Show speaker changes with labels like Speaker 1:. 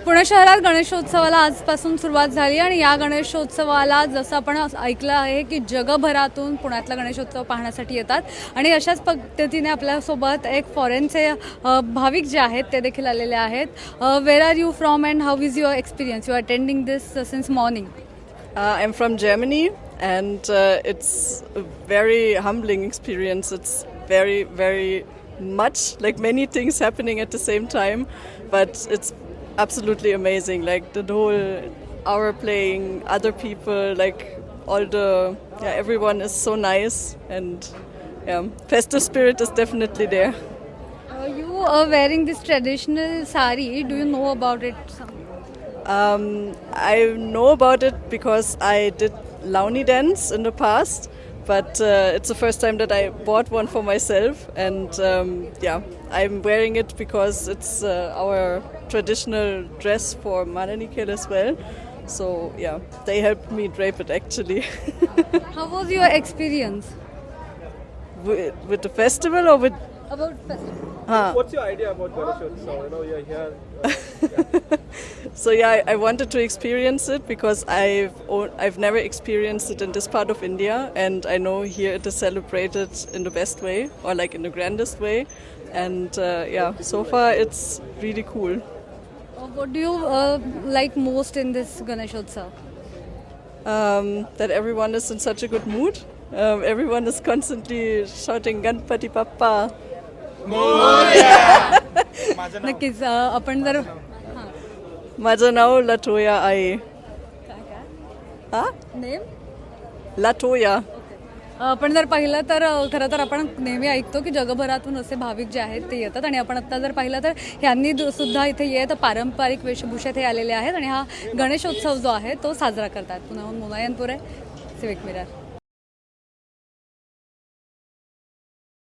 Speaker 1: पुणे शहरात गणेशोत्सवाला आजपासून सुरुवात झाली आणि या गणेशोत्सवाला जसं आपण ऐकलं आहे की जगभरातून पुण्यातला गणेशोत्सव पाहण्यासाठी येतात आणि अशाच पद्धतीने आपल्यासोबत एक फॉरेनचे भाविक जे आहेत ते देखील आलेले आहेत. Where are you from and how is your experience? You are attending this since morning.
Speaker 2: I'm from Germany, and it's a very humbling experience. It's very, very much like many things happening at the same time, but it's absolutely amazing. Like the whole hour playing, other people, like all the everyone is so nice, and festive spirit is definitely there.
Speaker 1: You are wearing this traditional sari. Do you know about it?
Speaker 2: I know about it because I did Launi dance in the past, but it's the first time that I bought one for myself, and I'm wearing it because it's our traditional dress for Mananikel as well. So they helped me drape it actually.
Speaker 1: How was your experience?
Speaker 2: With the festival or with?
Speaker 1: About festival.
Speaker 3: What's your idea about Ganeshotsav? You know, you're here.
Speaker 2: So I wanted to experience it because I've never experienced it in this part of India, and I know here it is celebrated in the best way, or like in the grandest way, and so far it's really cool.
Speaker 1: What do you like most in this Ganeshotsav?
Speaker 2: That everyone is in such a good mood. Everyone is constantly shouting Ganpati Bappa.
Speaker 1: नक्कीच. आपण जर
Speaker 2: माझं नाव Latoya आहे. हा?
Speaker 1: Name
Speaker 2: Latoya.
Speaker 1: आपण जर पाहिलं तर खरं तर आपण नेहमी ऐकतो की जगभरातून असे भाविक जे आहेत ते येतात आणि आपण आत्ता जर पाहिलं तर ह्यांनी सुद्धा इथे येत पारंपरिक वेशभूषेत हे आलेले आहेत आणि हा गणेशोत्सव जो आहे तो साजरा करतात. पुण्याहून मुनायनपूर आहे, सिविक मिरर.